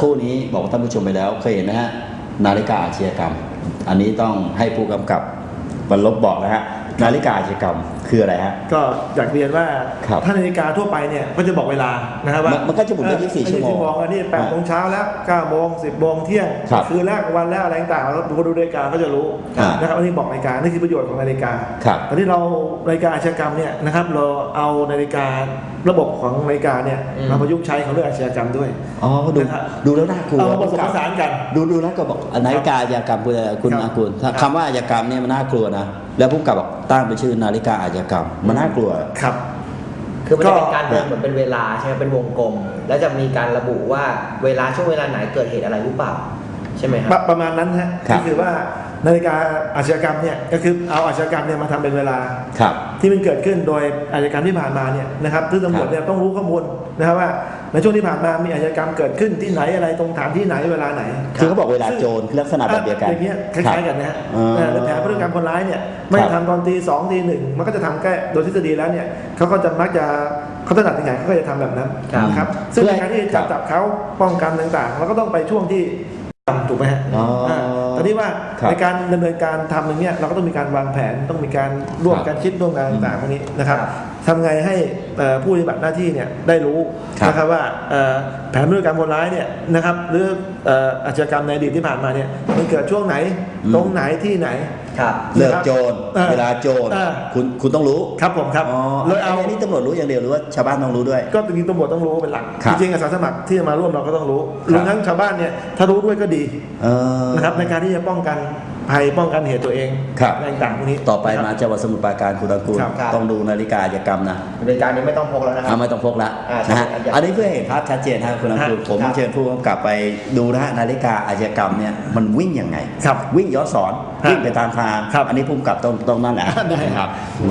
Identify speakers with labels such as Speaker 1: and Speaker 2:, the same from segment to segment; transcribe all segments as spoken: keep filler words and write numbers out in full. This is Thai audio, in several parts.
Speaker 1: ครู่นี้บอกท่านผู้ชมไปแล้วเคยเห็นนะฮะนาฬิกาอาชญากรรมอันนี้ต้องให้ผู้กำกับบรรลบบอกนะฮะนาฬิกาอาชญากรรมคืออะไรฮะ
Speaker 2: ก็อยากเรียนว่าถ้านาฬิกาทั่วไปเนี่ยก็จะบอกเวลานะครับว่า
Speaker 1: มันก็จะหมุนได้ยี่สิบสี่ชั่วโมง
Speaker 2: อันนี้แปดโมงเช้าแล้วเก้าโมงสิบโมงเที่ยงคืนแรกวันแล้วอะไรต่างๆแล้วคนดูนาฬิกาก็จะรู้นะครับอันนี้บอกนาฬิกานี่คือประโยชน์ของนาฬิกาตอนที่เรานาฬิกาอาชญากรรมเนี่ยนะครับเราเอานาฬิการะบบของนาฬิกาเนี่ยมาประยุกต์ใช้ของเรื่องอาชญากรรมด้วย
Speaker 1: อ๋อดูดูแล้วน่ากลัว
Speaker 2: เอาผสมผสานกัน
Speaker 1: ดูดูแล้วก็บอกนาฬิกาอาชญากรรมคุณอากุลคำว่าอาชญากรรมเนี่ยมันน่ากลัวนะแล้วผู้กำกับบอกตั้งเป็นชื่อนาฬิกาอาชญากรรมมันน่ากลัว
Speaker 2: ครับ
Speaker 3: คือมันจะเป็นการเดินเหมือนเป็นเวลาใช่ไหมเป็นวงกลมแล้วจะมีการระบุว่าเวลาช่วงเวลาไหนเกิดเหตุอะไรหรือเปล่าใช่ไหมครับ
Speaker 2: ประมาณนั้นฮะก็คือว่านาฬิกาอาชญากรรมเนี่ยก็คือเอาอาชญากรรมเนี่ยมาทำเป็นเวลาที่มันเกิดขึ้นโดยอาชญากรรมที่ผ่านมาเนี่ยนะครับซึ่งตำรวจเนี่ยต้องรู้ข้อมูลนะครับว่าในช่วงที่ผ่านมามีอาชญากรรมเกิดขึ้นที่ไหนอะไรตรงฐานที่ไหนเวลาไหน
Speaker 1: คือเขาบอกเวลาโจรลักษณะแบบเดียวกัน
Speaker 2: อย่างเงี้ยคล้ายๆกันนะฮะแผนพฤติกรรมคนร้ายเนี่ยไม่ทำตอนตีสองตีหนึ่งมันก็จะทำแค่โดยทฤษฎีแล้วเนี่ยเขาก็จะมักจะเขาถนัดยังไงเขาก็จะทำแบบนั้นนะครับซึ่งในการที่จะจับเขาป้องกันต่างๆเราก็ต้องไปช่วงที่ถูกไหมฮะตอนนี้ว่าในการดำเนินการทำอย่างเงี้ยเราก็ต้องมีการวางแผนต้องมีการร่วมกันคิดร่วมกันต่างๆพวกนี้นะครับทำไงให้ผู้ปฏิบัติหน้าที่เนี่ยได้รู้นะครับว่าแผนพฤติกรรมคนร้ายเนี่ยนะครับหรืออาชญากรรมในอดีตที่ผ่านมาเนี่ยมันเกิดช่วงไหนตรงไหนที่ไหน
Speaker 1: เลิกโจรเวลาโจรคุณคุณต้องรู้
Speaker 2: ครับผมครับ
Speaker 1: เลยเอาอันนี้ตำรวจรู้อย่างเดียวหรือว่าชาวบ้านต้องรู้ด้วย
Speaker 2: ก็จริงๆตำรวจต้องรู้เป็นหลักจริงๆอาสาสมัครที่มาร่วมเราก็ต้องรู้รวมทั้งชาวบ้านเนี่ยถ้ารู้ด้วยก็ดีนะครับในการที่จะป้องกันภัยป้องกันเหตุตัวเองอะไรต่างๆพวกนี้
Speaker 1: ต่อไปมาจังหวัดสมุทรปราการคุณตะกูลต้องดูนาฬิกาอาชญากรรมนะ
Speaker 3: นาฬิกานี้ไม่ต้องพกแล้วนะครับ
Speaker 1: ไม่ต้องพกแล้วนะฮะอันนี้เพื่อเห็นภาพชัดเจนครับคุณตะกูลผมเชิญผู้กำกับไปดูนะฮะนาฬิกาอาชญากรรมเนี่ยมันวิ่งยังไงวิ่งย้อนสอนวิ่งไปตามทางอันนี้ผู้กำกับต้องต้องนั่นแหละ
Speaker 2: ได้ครับ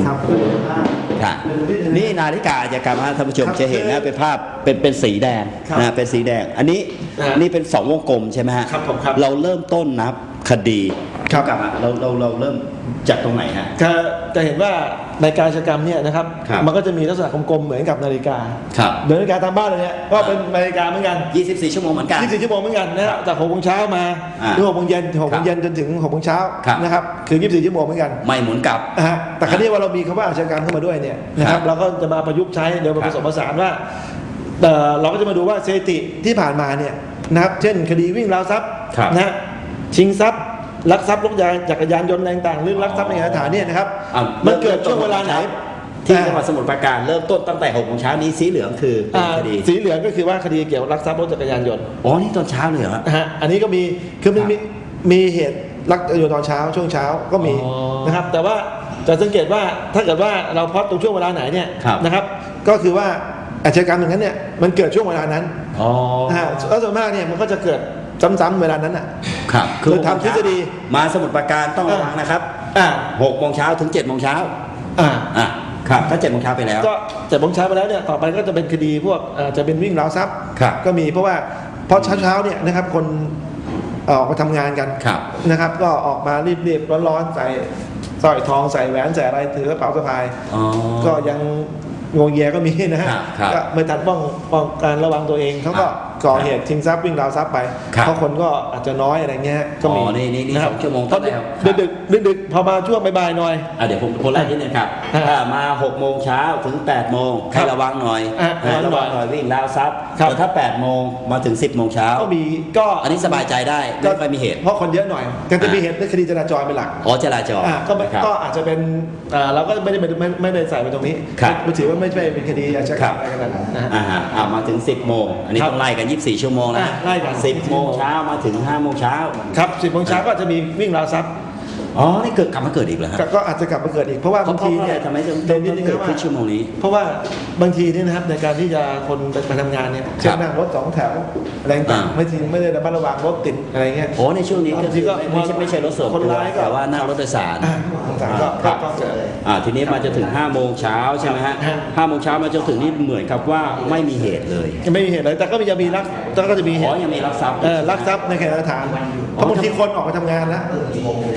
Speaker 1: นี่นาฬิกาอาชญากรรมท่านผู้ชมจะเห็นนะเป็นภาพเป็นเป็นสีแดงนะเป็นสีแดงอันนี้นี่เป็นสองวงกลมใช่ไหมฮะเราเริ่มต้นนับคดีครับกับเราเราเราเริ่มจากตรงไหนฮะ
Speaker 2: จะจะเห็นว่าในการอาชญากรรมเนี่ยนะครับมันก็จะมีลักษณะกลมๆเหมือนกับนาฬิกาเหมือนนาฬิกาตามบ้านเลยเนี่ยก็เป็นนาฬิกาเหมือนกัน
Speaker 1: ยี่สิบสี่ชั่วโมงเหมือนกัน
Speaker 2: ยี่สิบสี่ชั่วโมงเหมือนกันนะจากหกโมงเช้ามาหรือหกโมงเย็นหกโมงเย็นจนถึงหกโมงเช้านะครับคือยี่สิบสี่ชั่วโมงเหมือนกัน
Speaker 1: ไม่หมุนกลับ
Speaker 2: แต่คราวนี้ว่าเรามีคำว่าอาชญากรรมเข้ามาด้วยเนี่ยนะครับเราก็จะมาประยุกต์ใช้เดี๋ยวมาผสมผสานว่าเราก็จะมาดูว่าสถิติที่ผ่านมาเนี่ยนะครับเช่นคดีวิ่งราวทรัพย์นะชิงทรัพย์ลักทรัพย์รถยนต์จักรยานยนต์ต่างๆหรือลักทรัพย์ในสถานเนี่ยนะครับมันเกิดช่วงเวลาไหน
Speaker 1: ที่จังหวัดสมุทรปราการเริ่มต้นตั้งแต่หกโมงเช้านี้สีเหลืองคือคดี
Speaker 2: สีเหลืองก็คือว่าคดีเกี่ยวกับลักทรัพย์รถจักรยานยนต์
Speaker 1: อ๋อนี่ตอนเช้าเลยเหรอ
Speaker 2: ฮะอันนี้ก็มีคือมันมีมีเหตุลักอยู่ตอนเช้าช่วงเช้าก็มีนะครับแต่ว่าจะสังเกตว่าถ้าเกิดว่าเราพอดตรงช่วงเวลาไหนเนี่ยนะครับก็คือว่าอาชญากรรมอย่างนั้นเนี่ยมันเกิดช่วงเวลานั้น
Speaker 1: อ๋อ
Speaker 2: แล้วส่วนมากเนี่ยมันก็จะเกิดซ้ำๆเวลานั้นอ่ะ
Speaker 1: ครับ
Speaker 2: คือทำทฤษฎี
Speaker 1: มาสมุทรปราการต้องระวังนะครับหกโมงเช้าถึงเจ็ดโมงเช้า
Speaker 2: อ่า
Speaker 1: อ่าครับถ้าเจ็ดโมงเช้าไปแล้ว
Speaker 2: ก็เจ็ดโมงเช้าไปแล้วเนี่ยต่อไปก็จะเป็นคดีพวกจะเป็นวิ่งราวทรัพย์ก็มีเพราะว่าเพราะเช้าๆเนี่ยนะครับคนออกมาทำงานกันนะครับก็ออกมารีบๆร้อนๆใส่สร้อยทองใส่แหวนใส่อะไรถือกระเป๋าสะพายก็ยังงงแยก็มีนะฮะก็ไม่ทันป้องป้องการระวังตัวเองเขาก็ก่อเหตุชิงทรัพย์วิ่งราวทรัพย์ไปเพราะคนก็อาจจะน้อยอะไรเงี้ยก็มี
Speaker 1: นี่นี่นี่สองชั่วโมงต้นแล้ว
Speaker 2: ดึกดึกดึกพอมาช่วงบ่ายๆหน่อย
Speaker 1: เดี๋ยวผมคนแรกนิดนึงครับถ้ามาหกโมงเช้าถึงแปดโมงให้ระวังหน่อยระวังหน่อยวิ่งราวทรัพย์แต่ถ้าแปดโมงมาถึงสิบโมงเช้า
Speaker 2: ก็มีก็
Speaker 1: อันนี้สบายใจได้ไม่ค่อยมีเหตุ
Speaker 2: เพราะคนเยอะหน่อยก็จะมีเหตุในคดีจราจรเป็นหลัก
Speaker 1: อ๋อจราจร
Speaker 2: ก็ก็อาจจะเป็นเราก็ไม่ได้ไม่ไม่ได้ใส่ไปตรงนี้ไม่ถือว่าไม่ใช่เป็นคดีอาชญากรรมอะไรกันนะ
Speaker 1: อ่ามาถึงสิบโมงอันนี้ต้องไล่กันยี่สิบสี่ชั่วโมงนะ
Speaker 2: ไล่กัน
Speaker 1: สิบโมงเช้ามาถึงห้าโมงเช้า
Speaker 2: ครับสิบโมงเช้าก็จะมีวิ่งราวทรัพย์
Speaker 1: อ๋อนี่เกิดกลับมาเกิดอีกเหรอครับ
Speaker 2: ก็อาจจะกลับมาเกิดอีกเพราะว่าบางทีเนี่ย
Speaker 1: ทำไมจะเกิดขึ้นชั่วโมงนี้
Speaker 2: เพราะว่าบางทีนี่นะครับในการที่จะคนไปทำงานเนี่ยเช่นนั่งรถสองแถวอะไรต่างไม่ทีไม่ได้ระมัดระวังรถติดอะไรเงี้ย
Speaker 1: โอ้ในช่วงนี้ก็ไม่ใช่ไม่ใช่รถส่วนตัวแต่ว่านั่งรถโดยสาร
Speaker 2: ก็
Speaker 1: อ่าทีนี้มาจะถึงห้าโมงเช้าใช่ไหมฮะห้าโมงเช้ามาจนถึงนี่เหมือนกับว่าไม่มีเหตุเลย
Speaker 2: ไม่มีเหตุเลยแต่ก็จะมีรักแต่ก็จะมีเหตุ
Speaker 1: อ๋อยังมีรักทรัพย์
Speaker 2: เออรักทรัพย์ในแคนาดาเพราะบางทีคนออกไปทำงานแล้ว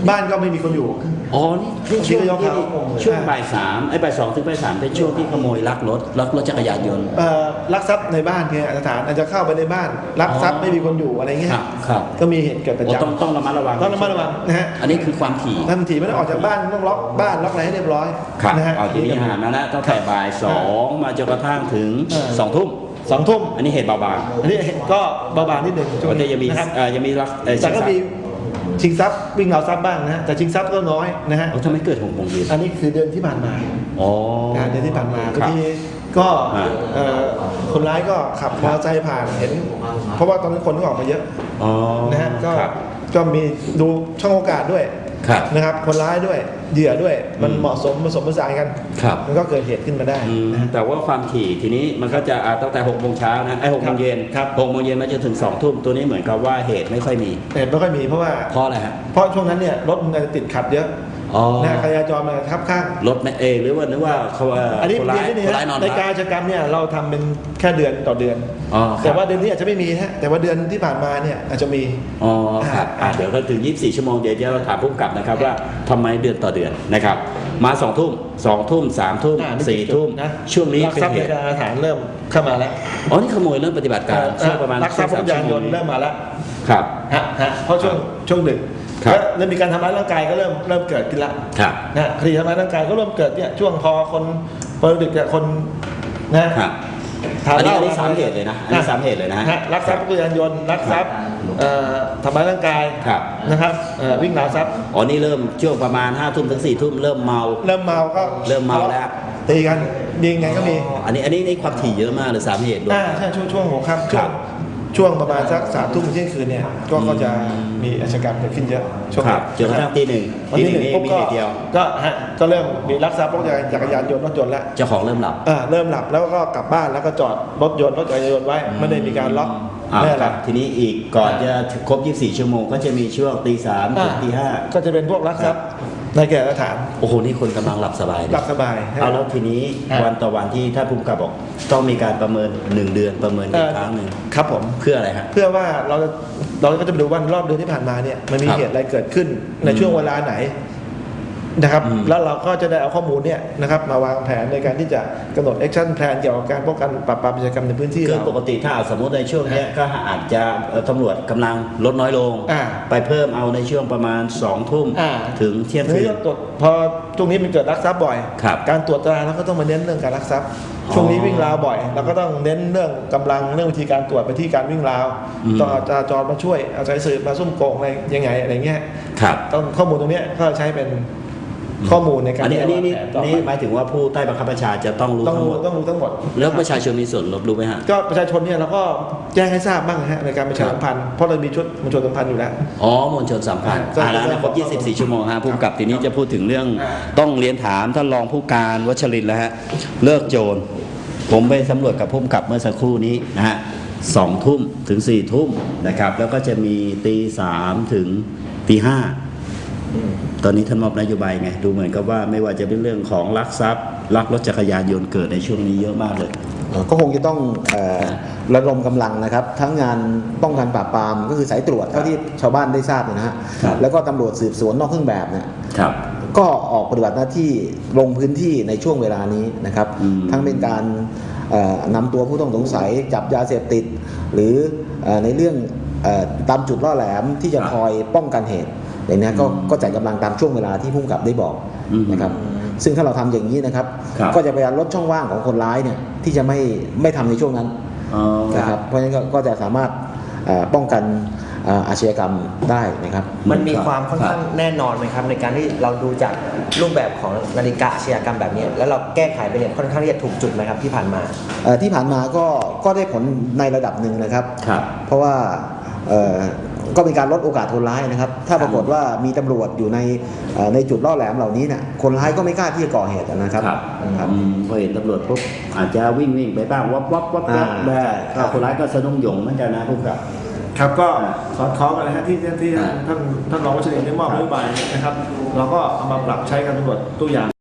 Speaker 2: บ้านก็ไม่มีคนอยู่
Speaker 1: อ๋อนี่นี่ช่วง
Speaker 2: ที่ก็ยก
Speaker 1: ที่
Speaker 2: เท้า
Speaker 1: ช่วงบ่ายสามไอ้บ่ายสองถึงบ่ายสามเป็นช่วงที่ขโมยลักรถลักรถจักรยานยนต์
Speaker 2: เอ่อลักทรัพย์ในบ้านเนี่ยสถานอาจจะเข้าไปในบ้านลักทรัพย์ไม่มีคนอยู่อะไรเงี้ย
Speaker 1: ครับครับ
Speaker 2: ก็มีเหตุเกิดประ
Speaker 1: โอ้
Speaker 2: จำ
Speaker 1: ต้องต้องระมัดระวัง
Speaker 2: ต้องระมัดระวังนะฮะ
Speaker 1: อันนี้คือความถี่
Speaker 2: ทันทีไม่ต้องออกจากบ้านต้องล็อกบ้านล็อกอะไรให้เรียบร้อย
Speaker 1: ครับ
Speaker 2: นะฮะ
Speaker 1: เอาทีนี้หามาแล้วตั้งแต่บ่ายสองมาจนกระทั่งถึง
Speaker 2: เออ
Speaker 1: สองทุ่ม
Speaker 2: สองทุ่ม
Speaker 1: อันนี้เหตุเบาบาง
Speaker 2: อันนี้ก็เบาบางนิดหนึ่งช่วง
Speaker 1: ก็จะยังมี
Speaker 2: นะครับ
Speaker 1: เอ่อยังมีลักเอ่อ
Speaker 2: แต่ก็มี
Speaker 1: ชิงทรัพย์
Speaker 2: ชิงทรัพย์วิ่งราวทรัพย์บ้างนะฮะแต่ชิงทรัพย์ก็น้อยนะฮะ
Speaker 1: โอ้ทำไมเกิดหกโมงเย็น
Speaker 2: อันนี้คือเดือนที่ผ่านมา
Speaker 1: อ๋อ
Speaker 2: นะเดือนที่ผ่านมา
Speaker 1: ครับ
Speaker 2: บางทีก็
Speaker 1: อ่า
Speaker 2: เอ่อคนร้ายก็ขับมอเตอร์ไซค์ผ่านเห็น เพราะว่าตอนนั้นคนก็ออกมาเยอะ
Speaker 1: อ๋อ
Speaker 2: นะฮะก็
Speaker 1: ครับ
Speaker 2: ก็มีดูช่องโอกาสด้วย
Speaker 1: ครับ
Speaker 2: นะครับคนร้ายด้วยเหยื่อด้วยมัน
Speaker 1: อืม
Speaker 2: เหมาะสมผสมผสานกัน
Speaker 1: ครับ
Speaker 2: มันก็เกิดเหตุขึ้นมาได้
Speaker 1: อืม
Speaker 2: นะฮะ
Speaker 1: แต่ว่าความถี่ทีนี้มันก็จะอ่าตั้งแต่หกโมงเช้านะไอ้หกโมงเย็น
Speaker 2: ครับ
Speaker 1: หกโมงเย็นมาจนถึงสองทุ่มตัวนี้เหมือนกับว่าเหตุไม่ค่อยมี
Speaker 2: เหตุไม่ค่อยมีเพราะว่า
Speaker 1: เพราะอะไรฮะ
Speaker 2: เพราะช่วงนั้นเนี่ยรถมันจะติดขัดเยอะ
Speaker 1: อ๋อ
Speaker 2: นะการจราจรมันทับข้าง
Speaker 1: รถไม่เองหรือว่านึกว่าเขาเอ่อ
Speaker 2: อันนี้
Speaker 1: คนร้าย
Speaker 2: นี่
Speaker 1: คนร้ายนอน
Speaker 2: ใน
Speaker 1: พั
Speaker 2: การ
Speaker 1: ก
Speaker 2: อาชญากรรมเนี่ยเราทำเป็นแค่เดือนต่อเดือน
Speaker 1: อ๋อครับ
Speaker 2: แต่ว่าเดือนนี้อาจจะไม่มีนะฮะแต่ว่าเดือนที่ผ่านมาเนี่ยอาจจะมี
Speaker 1: อ๋อครับอ่ะเดี๋ยวก็ถึงยี่สิบสี่ชั่วโมงเดี๋ยวเราถามผู้กำกับนะครับว่าทำไมเดือนต่อเดือนนะครับ มาสองทุ่มสองทุ่มสามทุ่ม
Speaker 2: อ่านี่
Speaker 1: สี่ทุ่ม
Speaker 2: นะ
Speaker 1: ช่วงนี้
Speaker 2: ลัก
Speaker 1: เป็น
Speaker 2: ทรัพย์
Speaker 1: เห
Speaker 2: ใน
Speaker 1: ตุ
Speaker 2: การอาถรรพ์เริ่มเข้ามาแล้ว
Speaker 1: อ๋อนี่ขโมยเริ่มปฏิบัติการช่วงประมาณ
Speaker 2: ลักทรัพย์รถยานยนต์เริ่มมาแล้ว
Speaker 1: ครับ
Speaker 2: ฮะฮะเพราะช่วงช่วงดึก
Speaker 1: ครับ
Speaker 2: แล้วเริ่มมีการทำร้ายร่างกายก็เริ่มเริ่มเกิดขึ้นแล้ว
Speaker 1: ครับ
Speaker 2: นะคดีทำร้ายร่างกายก็เริ่มเกิดเนี่ยช่วงพอคนพอดึกเนี่ยคนนะครับ ทา
Speaker 1: อันนี้
Speaker 2: ห
Speaker 1: อันนี้สามเหตุเลยนะอันนี้สามเหตุเลยนะฮะ
Speaker 2: ฮะลักทรัพย์รถยานยนต์ลักทรัพย์เอ่อทำร้ายร่างกาย
Speaker 1: ครับ
Speaker 2: นะครับเอ่อวิ่งราวทรัพย์
Speaker 1: อ๋อนี่เริ่มช่วงประมาณห้าทุ่มถึงสี่ทุ่มเริ่มเมา
Speaker 2: เริ่มเมาก็
Speaker 1: เริ่มเมาแล้ว
Speaker 2: ตีกันยิงกันก็มี
Speaker 1: อันนี้อันนี้ในความถี่เยอะมากเลยสามเหตุด้วย
Speaker 2: อ่าใช่ช่วงช่วงหัวค่ำ
Speaker 1: ค
Speaker 2: ช่
Speaker 1: รั
Speaker 2: วง
Speaker 1: บ
Speaker 2: ช่วงประมาณสักสามทุ่มเที่ยงคืนเนี่ยก็ก็จะมีอาชญากรรมเกิดขึ้นเยอะช่วง
Speaker 1: ครับจนกระทั่งตีหนึ่ง
Speaker 2: วัน
Speaker 1: ตี
Speaker 2: ที่
Speaker 1: ห
Speaker 2: ห
Speaker 1: นึ่
Speaker 2: นึ่
Speaker 1: ง
Speaker 2: ง
Speaker 1: นี่
Speaker 2: ปุ๊บ
Speaker 1: มี
Speaker 2: ก็
Speaker 1: เหตุเดียว
Speaker 2: ก็ฮะก็เริ่มมีลักทรัพย์รถจักรยานยนต์รถยนต์แล้ว
Speaker 1: เจ้าของเริ่มหลับ
Speaker 2: อ่าเริ่มหลับแล้วก็กลับบ้านแล้วก็จอดรถยนต์รถจักรยานยนต์ไว้ไม่ได้มีการล็อก
Speaker 1: อ่า
Speaker 2: ไม่
Speaker 1: ค
Speaker 2: อะไร
Speaker 1: รับทีนี้อีกก่อนจะครบยี่สิบสี่ชั่วโมงก็จะมีช่วงตีสามถึงตีห้า
Speaker 2: ก็จะเป็นพวกลักทรัพย์ในแก่สถาน
Speaker 1: โอ้โหนี่คนกำลังหลับสบายเลย
Speaker 2: หลับสบาย
Speaker 1: เอาแล้วทีนี้
Speaker 2: ฮะ
Speaker 1: วันต่อวันที่ท่านผู้กำกับบอกต้องมีการประเมินหนึ่งเดือนประเมินอี
Speaker 2: เอ่
Speaker 1: ก
Speaker 2: อ
Speaker 1: ครั้งหนึ่ง
Speaker 2: ครับผม
Speaker 1: เพื่ออะไรฮะ
Speaker 2: เพื่อว่าเราเราก็จะไปดูว่ารอบเดือนที่ผ่านมาเนี่ยมันมี
Speaker 1: ครับ
Speaker 2: เหตุอะไรเกิดขึ้นในช่วงเวลาไหนนะครับ
Speaker 1: อืม
Speaker 2: แล้วเราก็จะได้เอาข้อมูลเนี่ยนะครับมาวางแผนในการที่จะกำหนดแอคชั่นแพลนเกี่ยวกับการป้องกันปราบปรามอาชญากรรมในพื้นที่
Speaker 1: คือ
Speaker 2: เรา
Speaker 1: ปกติถ้าสมมติในช่วงเนี้ยก็อาจจะเอ่อตำรวจกำลังลดน้อยลง
Speaker 2: อ่า
Speaker 1: ไปเพิ่มเอาในช่วงประมาณสองทุ่ม
Speaker 2: อ่า
Speaker 1: ถึงเที่ยง
Speaker 2: ที
Speaker 1: คื
Speaker 2: นี้
Speaker 1: น
Speaker 2: ก็ตรวจพอช่วงนี้มันเกิดลักทรัพย์บ่อย
Speaker 1: ครับ
Speaker 2: การตรวจตราเราก็ต้องมาเน้นเรื่องการลักทรัพย์ ช่วงนี้วิ่งราวบ่อยเราก็ต้องเน้นเรื่องกำลังเรื่องวิธีการตรวจไปที่การวิ่งราว
Speaker 1: อืม
Speaker 2: ต้องเอาจราจรมาช่วยเอาใจสืบมาซุ่มโกงอะไรยังไงอะไรเงี้ย
Speaker 1: ครับ
Speaker 2: ต้องข้อมูลตรงเนี้ยก็ใช้เป็นข้อมูลในการ
Speaker 1: อันนี้อันนี้นี่
Speaker 2: วางแผต่อไป
Speaker 1: นี่หมายถึงว่าผู้ใต้บังคับบัญชาจะต้องรู้
Speaker 2: ต้อง
Speaker 1: ทั้งห
Speaker 2: รู้
Speaker 1: มด
Speaker 2: ต้องรู้ทั้งหมด
Speaker 1: แล้วประชาชนมีส่วนรับรู้ไหมฮะ
Speaker 2: ก็ประชาชนเนี่ยเราก็แจ้งให้ทราบบ้างนะฮะในการประชาสัมพันธ์เพราะเรามีชุดมวลชนสัมพันธ์อยู่แล้ว
Speaker 1: อ๋อมวลชนสัมพันธ์
Speaker 2: ก็
Speaker 1: อ่าแล้วนะครบ
Speaker 2: ก็
Speaker 1: ยี่สิบสี่ ชั่วโมงฮะผู้กำกับทีนี้จะพูดถึงเรื่อง
Speaker 2: อ่า
Speaker 1: ต้องเรียนถามท่านรองผู้การวัชรินทร์แล้วฮะเลิกโจรผมไปสำรวจกับผู้กำกับเมื่อสักครู่นี้นะฮะสองทุ่มถึงสี่ทุ่มนะครับแล้วก็จะมีตีสามถึงตีห้าตอนนี้ท่านมอบนโยบายไงดูเหมือนกับว่าไม่ว่าจะเป็นเรื่องของลักทรัพย์ลักรถจักรยานยนต์เกิดในช่วงนี้เยอะมากเลย
Speaker 4: เอ่อก็คงจะต้องเอ่อระดมกำลังนะครับ ทั้งงานป้องกันปราบปรามก็คือสายตรวจเท่าที่ชาวบ้านได้ทราบเนี่ยนะฮะ
Speaker 1: ครับ
Speaker 4: แล้วก็ตำรวจสืบสวนนอกเครื่องแบบเนี่ย
Speaker 1: ครับ
Speaker 4: ก็ออกปฏิบัติหน้าที่ลงพื้นที่ในช่วงเวลานี้นะครับ
Speaker 1: อืม
Speaker 4: ทั้งเป็นการเอ่อนำตัวผู้ต้องสงสัยจับยาเสพติด หรือเอ่อในเรื่องเอ่อตามจุดล่อแหลมที่จะคอยป้องกันเหตุอย่างนี้ก็ก็จัดกำลังตามช่วงเวลาที่ผู้กำกับได้บอก
Speaker 1: อืม
Speaker 4: นะครับ ซึ่งถ้าเราทำอย่างนี้นะครับ
Speaker 1: ครับ
Speaker 4: ก็จะพยายามลดช่องว่างของคนร้ายเนี่ยที่จะไม่ไม่ทำในช่วงนั้น
Speaker 1: อ๋อ
Speaker 4: นะครับเพราะฉะนั้นก็ก็จะสามารถเอ่อป้องกันเอ่ออาชญากรรมได้นะครับ
Speaker 3: มันมีความค่อนข้างแน่นอนไหมครับ ในการที่เราดูจากรูปแบบของนาฬิกาอาชญากรรมแบบนี้ แล้วเราแก้ไขไปเนี่ยค่อนข้างที่จะถูกจุดไหมครับที่ผ่านมา
Speaker 4: เอ่อที่ผ่านมาก็ก็ได้ผลในระดับหนึ่งนะครับ
Speaker 1: ครับ
Speaker 4: เพราะว่าเอ่อก็เป็นการลดโอกาสคนร้ายนะครับ ถ้าปรากฏว่ามีตำรวจอยู่ในเอ่อในจุดล่อแหลมเหล่านี้เนี่ยคนร้ายก็ไม่กล้าที่จะก่อเหตุนะครับ
Speaker 1: ครับ
Speaker 4: ครับ
Speaker 1: อืมพอเห็นตำรวจปุ๊บอาจจะวิ่งวิ่งไปบ้างวับวับวับวับ
Speaker 4: อ่า
Speaker 1: ได้
Speaker 4: ครั
Speaker 1: ก็
Speaker 4: บ
Speaker 1: คนร้ายก็สะดุ้งหยงเหมือนกันนะผู้กำกับ
Speaker 2: ครับก็
Speaker 1: อ่า
Speaker 2: สอดคล้องกันนะฮะที่ที่ที่
Speaker 1: อ่า
Speaker 2: ท่านท่านรองวัชรินทร์ได้มอบนโยบายนะครับ เราก็เอามาปรับใช้กันตำรวจตัวอย่าง